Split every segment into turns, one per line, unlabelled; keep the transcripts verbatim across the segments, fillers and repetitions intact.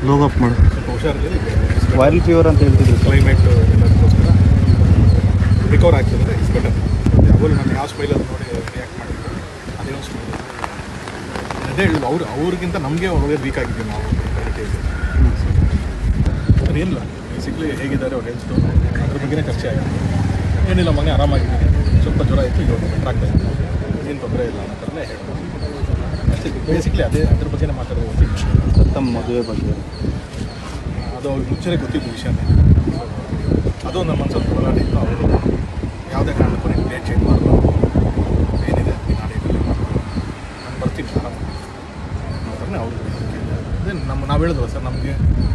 ಲೋಗ್ up ಮಾಡಿ
ಸ್ವಲ್ಪ ಹುಷಾರಿದೆ.
Viral fever ಅಂತ ಹೇಳ್ತಿದ್ರು.
ಕ್ಲೈಮೇಟ್ ಎಲ್ಲದಕ್ಕೋಸ್ಕರ ರಿಕವರ್ ಆಗ್ತಿದ್ರೆ ಇಟ್ಸ್ ಬೆಟರ್. ಯಾವಾಗಲೂ ನಾನು ಯಾವ ಸ್ಮೈಲಲ್ಲಿ ನೋಡಿ ರಿಯಾಕ್ಟ್ ಮಾಡಿದ್ರು ಅದೇ ಒಂದು ಸ್ಮೈಲ್. ಅದೇ ಹೇಳುದು ಅವ್ರು ಅವ್ರಿಗಿಂತ ನಮಗೆ ಒಳ್ಳೆ ವೀಕ್ ಆಗಿದ್ದೀವಿ ನಾವು. ಅದು ಏನಿಲ್ಲ, ಬೇಸಿಕ್ಲಿ ಹೇಗಿದ್ದಾರೆ ಅವ್ರು ಹೆಲ್ತು ಅದ್ರ ಬಗ್ಗೆನೇ ಚರ್ಚೆ ಆಗಿದೆ. ಏನಿಲ್ಲ ಮನೆ ಆರಾಮಾಗಿದ್ದೀನಿ, ಸ್ವಲ್ಪ ಜ್ವರ ಇತ್ತು, ಇವಾಗ ಬೆಟರ್ ಆಗ್ತಾ ಇತ್ತು, ಏನು ತೊಂದರೆ ಇಲ್ಲ ಅನ್ನೋ ಥರನೇ ಹೇಳ್ಬೋದು. ಬೇಸಿಕ್ಲಿ ಅದೇ ಅದ್ರ ಬಗ್ಗೆನೇ ಮಾತಾಡೋದು. ಗೊತ್ತಿಲ್ಲ
ತಮ್ಮ ಮದುವೆ ಬಗ್ಗೆ
ಅದು ಅವ್ರಿಗೆ ಮುಂಚೆನೇ ಗೊತ್ತಿದ್ದು ವಿಷಯನೇ. ಅದು ನಮ್ಮ ಮನಸ್ಸಲ್ಲಿ ಹೋರಾಡಿತ್ತು. ಅವರು ಯಾವುದೇ ಕಾರಣಕ್ಕೂ ನೀವು ಡೇಟ್ ಚೇಂಜ್ ಮಾಡಬಾರ್ದು, ಏನಿದೆ ನೀನು ಆ ಡೇಟಲ್ಲಿ ಮಾಡಬಾರ್ದು, ನಾನು ಬರ್ತೀನಿ ಆರಾಮ ಅನ್ನೋ ಥರನೇ ಅವರು. ಅದೇ ನಮ್ಮ ನಾವು ಹೇಳಿದ್ವಲ್ಲ ಸರ್, ನಮಗೆ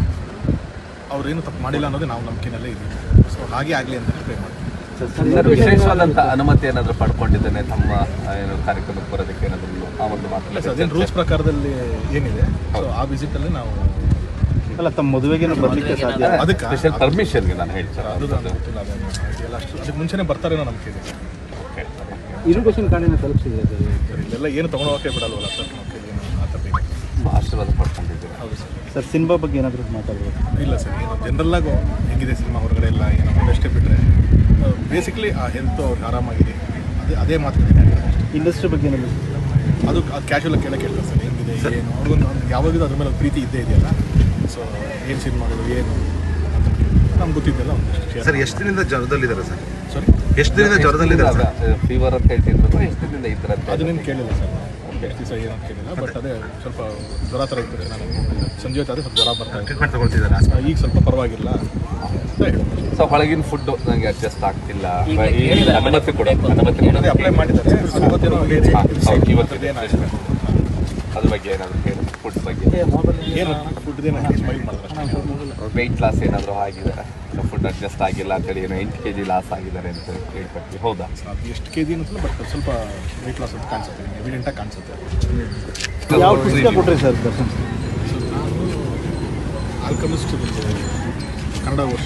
ಅವ್ರೇನು ತಪ್ಪು ಮಾಡಿಲ್ಲ ಅನ್ನೋದೇ ನಾವು ನಂಬಿಕೆನಲ್ಲೇ ಇದ್ದೀವಿ. ಸೊ ಹಾಗೆ ಆಗಲಿ ಅಂತಲೇ ಪ್ರೇ ಮಾಡ್ತೀವಿ.
ಸರ್, ವಿಶೇಷವಾದಂಥ ಅನುಮತಿ ಏನಾದರೂ ಪಡ್ಕೊಂಡಿದ್ದೇನೆ ತಮ್ಮ ಏನು ಕಾರ್ಯಕ್ರಮಕ್ಕೆ ಬರೋದಕ್ಕೆ ಏನಾದರೂ ಆ ಒಂದು ಮಾತು?
ಅದೇನು ರೂಲ್ಸ್ ಪ್ರಕಾರದಲ್ಲಿ ಏನಿದೆ, ಸೊ ಆ ವಿಸಿಟಲ್ಲಿ ನಾವು
ಅಲ್ಲ ತಮ್ಮ ಮದುವೆಗೇನು ಬರಲಿಕ್ಕೆ ಸಾಧ್ಯ?
ಅದಕ್ಕೆ
ಸ್ಪೆಷಲ್ ಪರ್ಮಿಷನ್ಗೆ ನಾನು ಹೇಳ್ತೀನಿ.
ಅದು ನನಗೆ ಗೊತ್ತಿಲ್ಲ, ಅದೇನು ಇದೆಲ್ಲ ಅಷ್ಟು ಅದಕ್ಕೆ ಮುಂಚೆನೇ ಬರ್ತಾರೇನೋ ನಂಬಿಕೆ ಇದೆ.
ಓಕೆ,
ಇರುಗೇಷನ್ ಕಾರ್ಡಿನ ತಲುಪಿಸಿದೆ
ಸರ್ ಇಲ್ಲೆಲ್ಲ ಏನು ತೊಗೊಂಡೋಗಕ್ಕೆ ಬಿಡಲ್ವಲ್ಲ ಸರ್, ನಮ್ಮ ಕೈಲಿ ಆ ಥರ ಬೇಕು.
ಆಶೀರ್ವಾದ ಪಡ್ಕೊಂಡಿದ್ದೀವಿ.
ಹೌದು ಸರ್.
ಸರ್ ಸಿನಿಮಾ ಬಗ್ಗೆ ಏನಾದರೂ ಮಾತಾಡ್ಬೋದು?
ಇಲ್ಲ ಸರ್, ಏನು ಜನರಲ್ಲಾಗು ಹೇಗಿದೆ ಸಿನಿಮಾ ಹೊರಗಡೆ ಎಲ್ಲ ಏನೋ ಒಂದಷ್ಟೇ ಬಿಟ್ಟರೆ ಬೇಸಿಕ್ಲಿ ಆ ಹೆಲ್ತು ಅವ್ರಿಗೆ ಆರಾಮಾಗಿದೆ, ಅದೇ ಅದೇ ಮಾತುಕತೆ.
ಇಂಡಸ್ಟ್ರಿ ಬಗ್ಗೆ ಏನಾದರೂ
ಅದು ಅದು ಕ್ಯಾಶುವಲ್ ಕೇಳ ಕೇಳ್ತಾರೆ ಸರ್, ಹೆಂಗಿದೆ ಏನು ಅವ್ರಿಗೊಂದು ಯಾವಾಗಲೂ ಅದ್ರ ಮೇಲೆ ಪ್ರೀತಿ ಇದ್ದೇ ಇದೆಯಲ್ಲ. ಸೊ ಏನು ಸಿನಿಮಾಗಳು ಏನು ಅಂತ ನಮ್ಗೆ ಗೊತ್ತಿದ್ದೆಲ್ಲ ಒಂದಷ್ಟು.
ಸರ್ ಎಷ್ಟು ದಿನದಿಂದ ಜ್ವರದಲ್ಲಿದ್ದಾರೆ ಸರ್?
ಸಾರಿ,
ಎಷ್ಟು ದಿನದಿಂದ ಜ್ವರದಲ್ಲಿದ್ದಾರೆ?
ಫೀವರ್ ಅಂತ ಹೇಳ್ತಿದ್ರು, ಎಷ್ಟು ದಿನದಿಂದ ಇದ್ದಾರೆ?
ಅದನ್ನೇನು ಕೇಳಿಲ್ಲ ಸರ್, ಎಷ್ಟು ದಿವಸ ಏನಂತ ಕೇಳಿಲ್ಲ. ಬಟ್ ಅದೇ ಸ್ವಲ್ಪ ಜ್ವರ ಥರ ಇರ್ತದೆ, ನಾನು ಸಂಜೆ ಹೊತ್ತು ಅದೇ ಸ್ವಲ್ಪ ಜ್ವರ ಬರ್ತಾ ಇತ್ತು.
ಟ್ರೀಟ್ಮೆಂಟ್ ತಗೊಳ್ತಿದ್ದಾರೆ,
ಈಗ ಸ್ವಲ್ಪ ಪರವಾಗಿಲ್ಲ ಅಂತ ಹೇಳ್ಬೋದು.
ಸೊ ಹೊಳಗಿನ ಫುಡ್ಡು ನನಗೆ ಅಡ್ಜಸ್ಟ್ ಆಗ್ತಿಲ್ಲ, ಅನುಮತಿ ಕೊಡ ಅನುಮತಿ
ಅದೇ ಅಪ್ಲೈ ಮಾಡಿದ್ದಾರೆ. ಇವತ್ತೇನೋ ಇವತ್ತಿದೆ
ಅದ್ರ ಬಗ್ಗೆ ಏನಾದರೂ ಹೇಳಿ, ಫುಡ್ ಬಗ್ಗೆ
ಏನು ಫುಡ್ದೇನು ಸ್ಮೈಲ್ ಮಾಡಿದ್ರೆ
ವೆಯ್ಟ್ ಲಾಸ್ ಏನಾದರೂ ಆಗಿದೆ, ಫುಡ್ ಅಡ್ಜಸ್ಟ್ ಆಗಿಲ್ಲ ಅಂತೇಳಿ ಏನೋ ಎಂಟು ಕೆ ಜಿ ಲಾಸ್ ಆಗಿದ್ದಾರೆ ಅಂತ ಹೇಳ್ಕೊಡ್ತೀವಿ. ಹೌದಾ?
ಅದು ಎಷ್ಟು ಕೆ ಜಿ ಅನ್ನಿಸಲ್ಲ, ಬಟ್ ಸ್ವಲ್ಪ ವೆಯ್ಟ್ ಲಾಸ್ ಅಂತ ಕಾಣಿಸುತ್ತೆ, ಎವಿಡೆಂಟಾಗಿ ಕಾಣಿಸುತ್ತೆ.
ಯಾವ ಪುಸ್ತಕ ಕೊಟ್ರಿ ಸರ್ ದರ್ಶನ್?
ನಾನು ಆಲ್ಕಮಿಸ್ಟ್ ಕನ್ನಡ ವರ್ಷ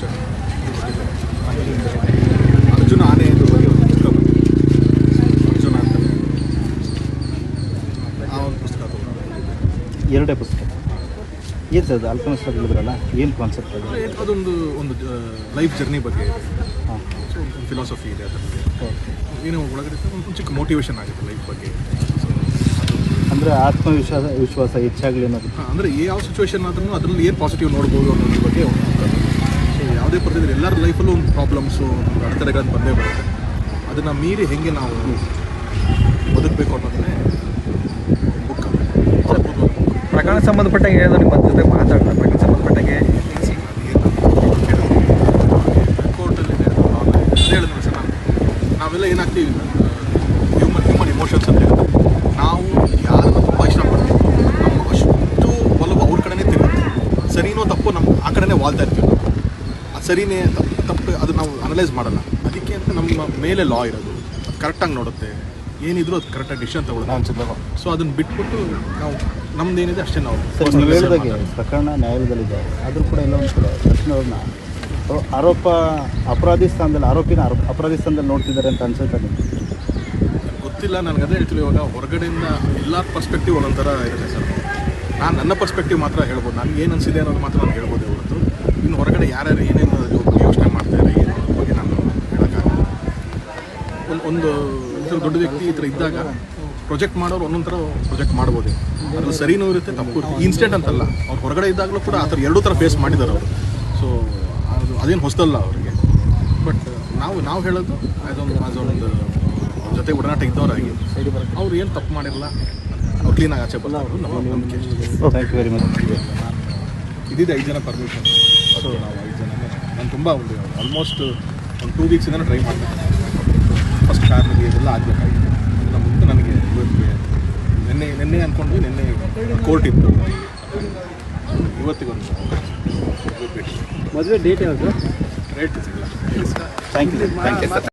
ಅರ್ಜುನ ಆನೆ ಎಂದು ಬಗ್ಗೆ ಒಂದು ಪುಸ್ತಕ ಬಂದಿದೆ, ಅರ್ಜುನ ಅಂತ ಆ ಒಂದು ಪುಸ್ತಕ ತಗೊಂಡು.
ಎರಡೇ ಪುಸ್ತಕ ಏನು ಸರ್ ಅದು? ಆಲ್ಕಮಿಸ್ಟ್ ಹೇಳಿದ್ರಲ್ಲ, ಏನು ಕಾನ್ಸೆಪ್ಟ್ ಅದು?
ಅದೊಂದು ಒಂದು ಲೈಫ್ ಜರ್ನಿ ಬಗ್ಗೆ ಇದೆ.
ಹಾಂ,
ಸೊ ಒಂದು ಫಿಲಾಸಫಿ ಇದೆ ಅದರಲ್ಲಿ. ಏನು ಒಳಗಡೆ ಒಂದು ಚಿಕ್ಕ ಮೋಟಿವೇಶನ್ ಆಗುತ್ತೆ ಲೈಫ್ ಬಗ್ಗೆ.
ಅಂದರೆ ಆತ್ಮವಿಶ್ವಾಸ ವಿಶ್ವಾಸ ಹೆಚ್ಚಾಗಲಿ ಅನ್ನೋದು.
ಹಾಂ, ಅಂದರೆ ಯಾವ ಸಿಚುವೇಶನ್ ಆದ್ರೂ ಅದರಲ್ಲಿ ಏನು ಪಾಸಿಟಿವ್ ನೋಡ್ಬೋದು ಅನ್ನೋದ್ರ ಬಗ್ಗೆ ಒಂದು. ಸೊ ಯಾವುದೇ ಪರಿಸ್ಥಿತಿ ಎಲ್ಲರ ಲೈಫಲ್ಲೂ ಒಂದು ಪ್ರಾಬ್ಲಮ್ಸು, ಒಂದು ಅಡೆತಡೆಗಳನ್ನು ಬಂದೇ ಬರುತ್ತೆ. ಅದನ್ನು ಮೀರಿ ಹೇಗೆ ನಾವು ಬದುಕಬೇಕು ಅನ್ನೋದನ್ನೇ ಬುಕ್.
ಪ್ರಕರಣ ಸಂಬಂಧಪಟ್ಟಾಗೆ ಏನೋ ನಿಮ್ಮ ಜೊತೆ ಮಾತಾಡೋಣ. ಪ್ರಕರಣ ಸಂಬಂಧಪಟ್ಟಾಗೆ
ಕೋರ್ಟಲ್ಲಿದೆ ಅದೇ ಹೇಳಿದ್ರು ಸರ್. ನಾನು ನಾವೆಲ್ಲ ಏನಾಗ್ತೀವಿ, ಹ್ಯೂಮನ್ ಹ್ಯೂಮನ್ ಇಮೋಷನ್ಸ್ ಅಂತ ಹೇಳ್ತಾರೆ. ನಾವು ಯಾರನ್ನು ತುಂಬ ಇಷ್ಟಪಡ್ತೀವಿ, ನಮ್ಮ ಅಷ್ಟು ಒಲವು ಅವ್ರ ಕಡೆನೇ ತಿರುಗುತ್ತೆ. ಸರಿನೋ ತಪ್ಪು ನಮ್ಮ ಆ ಕಡೆನೇ ವಾಲ್ತಾ ಇರ್ತೀವಿ ನಾವು. ಅದು ಸರಿನೇ ತಪ್ಪು ತಪ್ಪು ಅದು ನಾವು ಅನಲೈಸ್ ಮಾಡಲ್ಲ. ಅದಕ್ಕೆ ಅಂತ ನಮ್ಮ ಮೇಲೆ ಲಾ ಇರೋದು, ಅದು ಕರೆಕ್ಟಾಗಿ ನೋಡುತ್ತೆ, ಏನಿದ್ರು ಅದು ಕರೆಕ್ಟಾಗಿ ಡಿಸಿಷನ್ ತಗೊಳ್ಳೋದು. ಸೊ ಅದನ್ನು ಬಿಟ್ಬಿಟ್ಟು ನಾವು ನಮ್ದು ಏನಿದೆ ಅಷ್ಟೇ ನಾವು.
ಸರ್ ನೀವು ಹೇಳಿದಾಗೆ ಪ್ರಕರಣ ನ್ಯಾಯಾಲಯದಲ್ಲಿದೆ, ಆದರೂ ಕೂಡ ಎಲ್ಲ ಒಂದು ಕಡೆ ದರ್ಶನ್ ಅವ್ರನ್ನ ಆರೋಪ ಅಪರಾಧಿ ಸ್ಥಾನದಲ್ಲಿ ಆರೋಪಿನ ಆರೋಪ ಅಪರಾಧಿ ಸ್ಥಾನದಲ್ಲಿ ನೋಡ್ತಿದ್ದಾರೆ ಅಂತ ಅನ್ಸುತ್ತೆ ನಿಮಗೆ?
ಗೊತ್ತಿಲ್ಲ, ನನಗೆ ಅದೇ ಹೇಳ್ತೀವಿ. ಇವಾಗ ಹೊರಗಡೆಯಿಂದ ಎಲ್ಲ ಪರ್ಸ್ಪೆಕ್ಟಿವ್ ಒಂದೊಂಥರ ಇರುತ್ತೆ ಸರ್. ನಾನು ನನ್ನ ಪರ್ಸ್ಪೆಕ್ಟಿವ್ ಮಾತ್ರ ಹೇಳ್ಬೋದು, ನನಗೆ ಏನು ಅನಿಸಿದೆ ಅನ್ನೋದು ಮಾತ್ರ ನಾನು ಹೇಳ್ಬೋದು ಹೊರತು ಇನ್ನು ಹೊರಗಡೆ ಯಾರ್ಯಾರು ಏನೇನು ಬಗ್ಗೆ ಯೋಚನೆ ಮಾಡ್ತಾರೆ ಏನೋ ಅದ್ರ ಬಗ್ಗೆ ನಾನು ಹೇಳೋಕ್ಕಾಗಲ್ಲ. ಒಂದು ಒಂದು ಈ ದೊಡ್ಡ ವ್ಯಕ್ತಿ ಈ ಥರ ಇದ್ದಾಗ ಪ್ರೊಜೆಕ್ಟ್ ಮಾಡೋರು ಒಂದೊಂದು ಥರ ಪ್ರೊಜೆಕ್ಟ್ ಮಾಡ್ಬೋದು. ಅದ್ರಲ್ಲಿ ಸರಿನೂ ಇರುತ್ತೆ, ತಪ್ಪು ಇರುತ್ತೆ. ಇನ್ಸ್ಟೆಂಟ್ ಅಂತಲ್ಲ, ಅವ್ರು ಹೊರಗಡೆ ಇದ್ದಾಗಲೂ ಕೂಡ ಆ ಥರ ಎರಡೂ ಥರ ಫೇಸ್ ಮಾಡಿದ್ದಾರೆ ಅವರು. ಸೊ ಅದು ಅದೇನು ಹೊಸದಲ್ಲ ಅವರಿಗೆ. ಬಟ್ ನಾವು ನಾವು ಹೇಳೋದು ಅದೊಂದು ಅದೊಂದು ಜೊತೆ ಒಡನಾಟ ಇದ್ದವರಾಗಿ ಅವ್ರು ಏನು ತಪ್ಪು ಮಾಡಿರಲ್ಲ, ಅವ್ರು ಕ್ಲೀನಾಗಿ ಆಚೆ ಬಲ್ಲ ಅವರು ನಮ್ಮ ನಂಬಿಕೆ.
Thank you very much.
ಇದಿದೆ ಐದು ಜನ ಪರ್ಮಿಷನ್. ಸೊ ನಾವು ಐದು ಜನನೇ ನಾನು ತುಂಬ ಒಂದು ಆಲ್ಮೋಸ್ಟ್ ಒಂದು ಟೂ ವೀಕ್ಸಿಂದ ಟ್ರೈ ಮಾಡ್ತೀನಿ. ಫಸ್ಟ್ ಕಾರ್ನಿಗೆ ಇದೆಲ್ಲ ಆಗಬೇಕಾಗಿತ್ತು. ಅದನ್ನು ಮುಂದೆ ನನಗೆ ಇವತ್ತಿಗೆ ನಿನ್ನೆ ನಿನ್ನೆ ಅಂದ್ಕೊಂಡು ನಿನ್ನೆ ಕೋರ್ಟ್ ಇತ್ತು, ಇವತ್ತಿಗೊಂದು
ಮದುವೆ ಡೇಟ್ ಯಾವುದು?
ರೇಟ್ ಸಿಗಲ್ಲ.
Thank you thank you sir.